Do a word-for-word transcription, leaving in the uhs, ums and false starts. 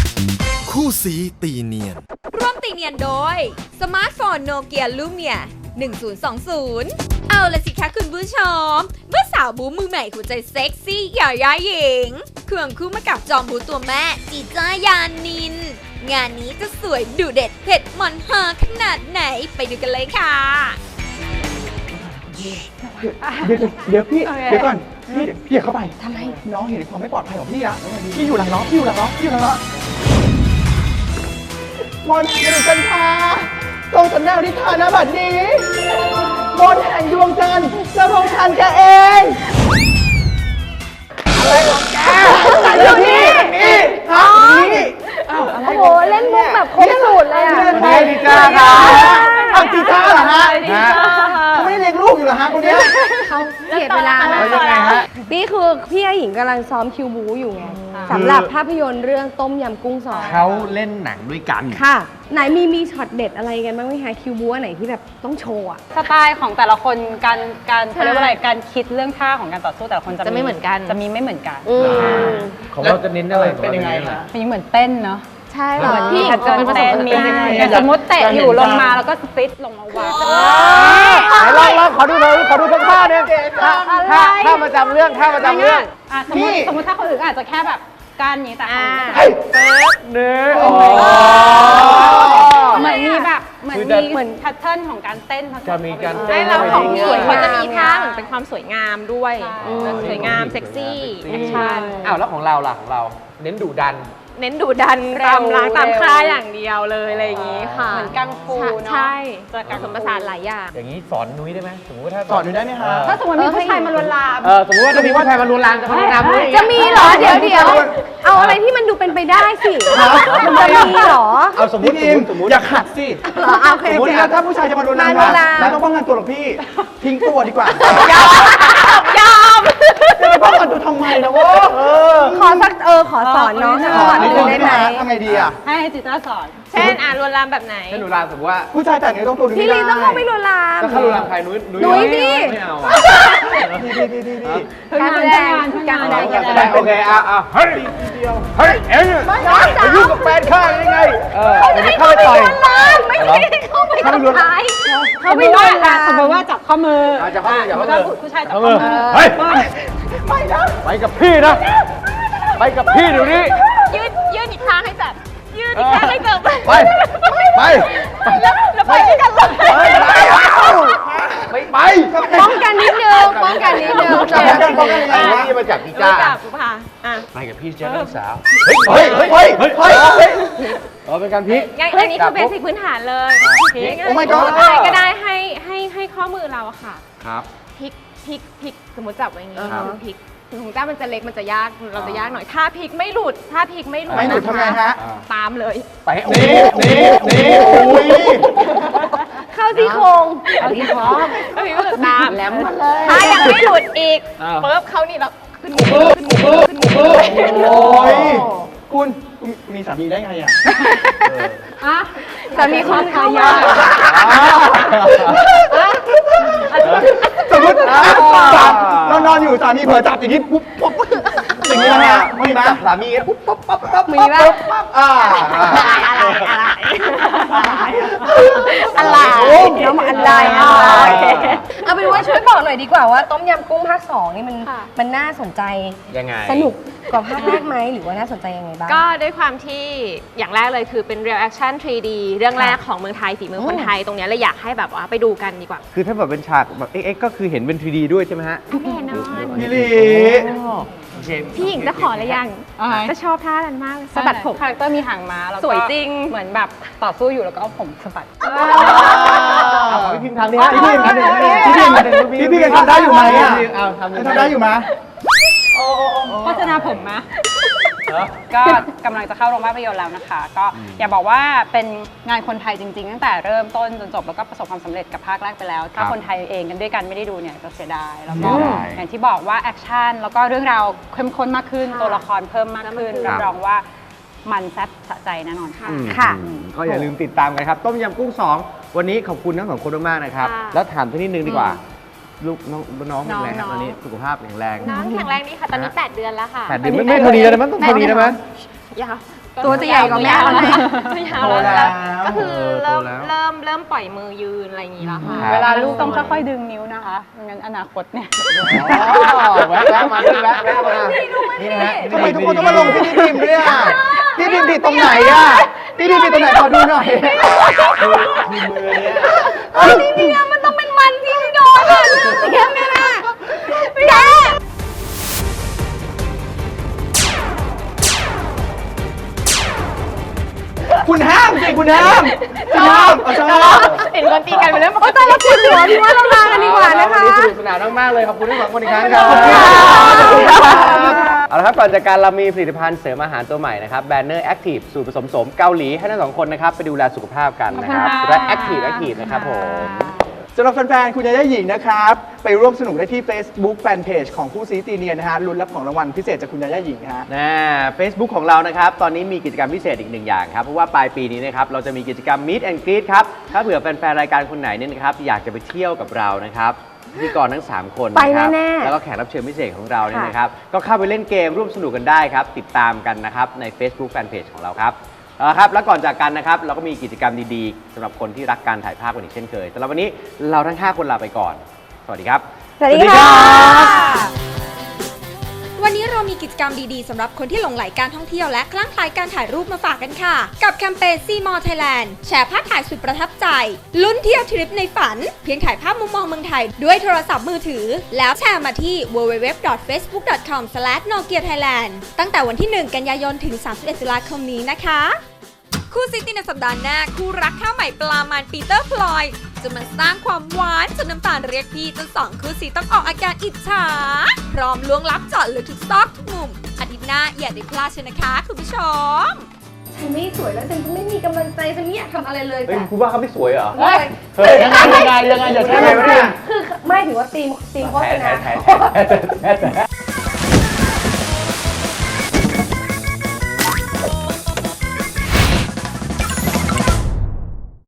คู่สีตีเนียนร่วมตีเนียนโดยสมาร์ทโฟนโนเกียลูเมียหนึ่งศูนย์สองศูนย์เอาละสิคะคุณผู้ชมเมื่อสาวบูมือใหม่หัวใจเซ็กซี่หย่าย้าหญิงเครื่องคู่มากับจอมบูตัวแม่จีจ้ายานินงานนี้จะสวยดุเด็ดเผ็ดมันฮาขนาดไหนไปดูกันเลยค่ะเดี๋ยวเดี๋ยวพี่เดี๋ยวก่อนพี่พี่อย่าเข้าไปทำไมน้องเห็นความไม่ปลอดภัยของพี่อะพี่อยู่หลังน้องพี่อยู่หลังน้องพี่อยู่หลังน้องมนต์แห่งจันทราทรงสำแนวนิทานนะบัดนี้มนต์แห่งดวงจันทร์จะลงทันแกเองอะไรของแกอยู่นี่นี่ฮะนี่อ้าวอะไรโอ้โหเล่นมุกแบบครบสูตรเลยอ่ะใช่จีจ้าครับเอาจีจ้าเหรอฮะเขาไม่ได้เลี้ยงลูกอยู่เหรอฮะคนนี้เขาเสียเวลาแล้วยังไงฮะนี่คือพี่หญิงกำลังซ้อมคิวบูอยู่ไงสำหรับภาพยนตร์เรื่องต้มยำกุ้งสองเขาเล่นหนังด้วยกันค่ะ ไหนมีมีช็อตเด็ดอะไรกันบ้างไหมคะคิวบูอันไหนที่แบบต้องโชว์อ่ะสไตล์ของแต่ละคนการการเขาเรียกว่าอะไรการคิดเรื่องท่าของการต่อสู้แต่ละคนจะจะไม่เหมือนกันจะมีไม่เหมือนกันอืมของเราจะเน้นอะไรเป็นยังไงคะมันเหมือนเต้นเนาะใช่เหรอพี่อาจจะเป็นประสบเต้นการณ์มีได้อย่างสมมติเตะอยู่ลงมาแล้วก็สติชลงมาวางไหนลองลองขอดูหน่อยขอดูสักท่าหนึงท่าท่าท่าประจำเรื่องท่าประจำเรื่องอ่ะสมมติสมมติถ้าคนอื่นก็อาจจะแค่แบบการอย่างนี้แต่ของเฮ้ยเนื้อโอ้เหมือนมีแบบเหมือนคือจะมีเหมือนแพทเทิร์นของการเต้นผสมจะมีการเข้เต้ไปนด้วยเราของพี่ส่วนเขาจะมีท่าเหมือนเป็นความสวยงามด้วยอืมสวยงามเซ็กซี่แอคชั่นอ้าวแล้วของเราล่ะของเราเน้นดุดันเน้นดุดันตามล้างตามค่าอย่างเดียวเลยอะไรอย่างนี้ค่ะเหมือนกังฟูเนาะใช่จะกังผสมผสานหลายอย่างอย่างนี้สอนนุ้ยได้ไหมสมมติว่าถ้าสอนนุ้ยได้ไหมคะถ้าสมมติมีผู้ชายมาลวนลามเออสมมติว่าถ้ามีผู้ชายมาลวนลามจะมาลวนลามนุ้ยจะมีเหรอเดี๋ยวเดี๋ยวเอาอะไรที่มันดูเป็นไปได้สิจะมีเหรอเอาสมมพี่ติพิมสมมติอย่าขัดสิเหรอเอาโอเคสมมตินะถ้าผู้ชายจะมาโดนลามมาโดนลามไม่ต้องป้องกันตัวหรอกพี่ ทิ้งตัวดีกว่ายอมจะไปป้องกันตัวทำไมนะวะเออขอสักเออขอสอนน้องสักสก่ออน นนิดหนึนึ่งงได้ได้ไหไหมมทำไงดีอ่ะให้จิตราสอนเช่นอ่านลวนลามแบบไหนถ้าลวนลามสมมติว่าผู้ชายแต่งเนื้อต้องตัวดูพี่ไม่ลีได้ต้องเข้าไปลวนลามถ้าเขาลวนลามใครนุ้ยนุ้ยดิไม่เอาอ่ะพี่พี่พี่พี่พี่การแสดงการแสดงการแสดงโอเคอ่ะอ่ะเฮ้ยเฮ้ยเอ็งไปยุ่งกับแฟนข้าได้ไงเออเดี๋ยวเข้าไปต่อยไม่ได้เข้าไปทำร้ายเขาไม่ว่าอ่ะสมมติว่าจับข้อมืออ่ะจับข้อมือจับข้อมือถ้าผู้ชายจับข้อมือเฮ้ยไปกับพี่นะ ไปกับพี่เดี๋ยวนี้ยืดยืดอีกข้างให้แบบยืดอีกข้างให้เติมไป ไปแล้วแล้วไปด้วยกันเลยไปไปป้องกันนิดนึงป้องกันนิดนึงจับกันป้องกันยังไงไอ้วะนี่มาจากพี่จ้าจ้าปุ๊บค่ะอ่ะไปกับพี่เจ้าน้องสาวเฮ้ยเฮ้ยเฮ้ยเฮ้ยเฮ้ยเฮ้ยเออเป็นการพลิกงั้นอันนี้คือเบสิกพื้นฐานเลยพลิกโอ้ my god อะไรก็ได้ให้ให้ให้ข้อมือเราอะค่ะครับพลิกพลิกพลิกสมมติจับไว้อย่างนี้ครับพลิกถึงของเจ้ามันจะเล็กมันจะยากเราจะยากหน่อยถ้าพลิกไม่หลุดถ้าพลิกไม่หลุดไม่หลุดทำไงฮะตามเลยไปโอ้นี่นี่นี่โอ้ยเข้าที่โครงเอาที่พร้อมก็มีก็ตามแหลมมาเลยถ้ายังไม่หลุดอีกปุ๊บเขานี่เราขึ้นมือขึ้นมือขึ้นมือโอ้ยคุณคุณมีสามีได้ไงอ่ะอ่ะแต่มีความเข้ายากสมมติเรานอนอยู่สามีเผลอจับอย่างนี้ปุ๊บปุ๊บอย่างนี้นะฮะมีไหมสามีปุ๊บปั๊บปั๊บปั๊บมีป่ะอ่าอะไรอะไรอะไรน้องมาอะไรอ่ะเอาเป็นว่าช่วยบอกหน่อยดีกว่าว่าต้มยำกุ้งภาคสองนี่มันมันน่าสนใจยังไงสนุกกว่าภาคแรกไหมหรือว่าน่าสนใจยังไงบ้างก็ด้วยความที่อย่างแรกเลยคือเป็น real action ทรี ดี เรื่องแรกของเมืองไทยฝีมือคนไทยตรงเนี้ยเลยอยากให้แบบว่าไปดูกันดีกว่าคือถ้าแบบเป็นฉากแบบเอ็กก็คือเห็นเป็น ทรี ดี ด้วยใช่ไหมฮะแน่นอนพี่ลีโอเคพี่หญิงจะขอหรือยังอะไรจะชอบท่านั้นมากเลยสะบัดผมคาแรคเตอร์มีหางม้าแล้วก็สวยจริงเหมือนแบบต่อสู้อยู่แล้วก็เอาผมสะบัดเอาของพี่พิมพ์ทำดิฮะพี่พิมพ์พี่พิมพ์พี่พิมพ์ยังทำได้อยู่ไหมอ่ะเอาทำยังทำได้อยู่ไหมโฆษณาผมมะก็กำลังจะเข้าโรงภาพยนตร์แล้วนะคะ ก็อย่าบอกว่าเป็นงานคนไทยจริงๆ ตั้งแต่เริ่มต้นจนจบแล้วก็ประสบความสำเร็จกับภาคแรกไปแล้ว ถ้าคนไทยเองกันด้วยกันไม่ได้ดูเนี่ยจะเสียดายแล้วก็อย่างที่บอกว่าแอคชั่นแล้วก็เรื่องราวเข้มข้นมากขึ้นตัวละครเพิ่มมากขึ้นรับรองว่ามันแซ่บสะใจแน่นอนค่ะค่ะก็อย่าลืมติดตามกันครับ ต้มยำกุ้งสองวันนี้ขอบคุณทั้งสองคนมากๆนะครับค่ะแล้วถามสักนิดนึงดีกว่า ลูกน้องน้องเป็นไงครับน้องๆตอนนี้สุขภาพแข็งแรงน้องแข็งแรงดีค่ะ ตอนนี้แปดเดือนแล้วค่ะแปดเดือนไม่ไม่เท่านี้แล้วนะมันต้องเท่านี้ได้ไหมยาวตัวจะใหญ่กว่าแม่แล้วนะไม่ยาวแล้วแล้วก็คือเริ่มเริ่มเริ่มปล่อยมือยืนอะไรอย่างนี้แล้วค่ะเวลาลูกต้องค่อยๆดึงนิ้วนะคะไม่งั้นอนาคตเนี่ยแวะแวะมาด้วยแวะแวะมานี่นะฮะทำไมทุกคนต้องมาลงที่พี่พิมพ์ด้วยอ่ะพี่พิมพ์ผิดตรงไหนอ่ะพี่พิมพ์ผิดตรงไหนขอดูหน่อยมีมือเนี่ยพี่เนี่ยมันต้องเป็นมันที่ไม่โดนอะแม่แม่แม่แม่คุณห้ามสิคุณห้ามคุณห้ามเอาชอบเห็นคนตีกันไปแล้วโอ้ยตายแล้วปวดหัวพี่ว่าเราลากันดีกว่านะคะวันนี้สนุกสนานมากๆเลยขอบคุณทั้งสองคนอีกครั้งครับเอาละครับก่อนจากการเรามีผลิตภัณฑ์เสริมอาหารตัวใหม่นะครับแบนเนอร์แอคทีฟสูตรผสมโสมเกาหลีให้ทั้งสองคนนะครับไปดูแลสุขภาพกันนะครับขอบคุณค่ะและแอคทีฟแอคทีฟนะครับผมสำหรับแฟนๆ คุณยาย่าหญิงนะครับ ไปร่วมสนุกได้ที่ Facebook Fanpage ของคู่ซีตีเนียนนะฮะลุ้นรับของรางวัลพิเศษจากคุณยาย่าหญิงฮะนะ Facebook ของเรานะครับตอนนี้มีกิจกรรมพิเศษอีกหนึ่งอย่างครับเพราะว่าปลายปีนี้นะครับเราจะมีกิจกรรม Meet and Greet ครับถ้าเผื่อแฟนๆรายการคนไหนเนี่ยนะครับอยากจะไปเที่ยวกับเรานะครับพิธีกรทั้งสามคนไปนะครับแน่ๆแล้วก็แขกรับเชิญพิเศษของเราเนี่ยนะครับก็เข้าไปเล่นเกมร่วมสนุกกันได้ครับติดตามกันนะครับใน Facebook Fanpage ของเราครับเอาละครับแล้วก่อนจากกันนะครับเราก็มีกิจกรรมดีๆสำหรับคนที่รักการถ่ายภาพกันอีกเช่นเคยสำหรับวันนี้เราทั้งห้าคนลาไปก่อนสวัสดีครับสวัสดีค่ะวันนี้เรามีกิจกรรมดีๆสำหรับคนที่หลงใหลการท่องเที่ยวและคลั่งไคล้การถ่ายรูปมาฝากกันค่ะ กับแคมเปญ ซี มอร์ Thailand แชร์ภาพถ่ายสุดประทับใจ ลุ้นเที่ยวทริปในฝัน เพียงถ่ายภาพมุมมองเมืองไทยด้วยโทรศัพท์มือถือ แล้วแชร์มาที่ ดับเบิลยู ดับเบิลยู ดับเบิลยู ดอท เฟซบุ๊ก ดอท คอม สแลช โนเกีย ไทยแลนด์ ตั้งแต่วันที่ หนึ่ง กันยายนถึง สามสิบเอ็ด ตุลาคมนี้นะคะ คู่ซิตี้ในสัปดาห์หน้าคู่รักข้าวใหม่ปลามันปีเตอร์พลอยจะมาสร้างความหวานจนน้ำตาลเรียกพี่จนสองคู่ซีต้องออกอาการอิจฉาพร้อมล้วงลับเจาะลึกทุกซอกทุกมุมอาทิตย์หน้าอย่าได้พลาดเชยวนะคะคุณผู้ชมฉันไม่สวยแล้วฉันก็ไม่มีกำลังใจฉันไม่อยากทำอะไรเลยเฮ้ยแต่คุณว่าเขาไม่สวยเหรอเฮ้ยเฮ้ยยังไงยังไงยังไงอย่าใช่ไหมเนี่ยคือไม่ถือว่าตีมตีมโฆษณาแถแถแถแถแถ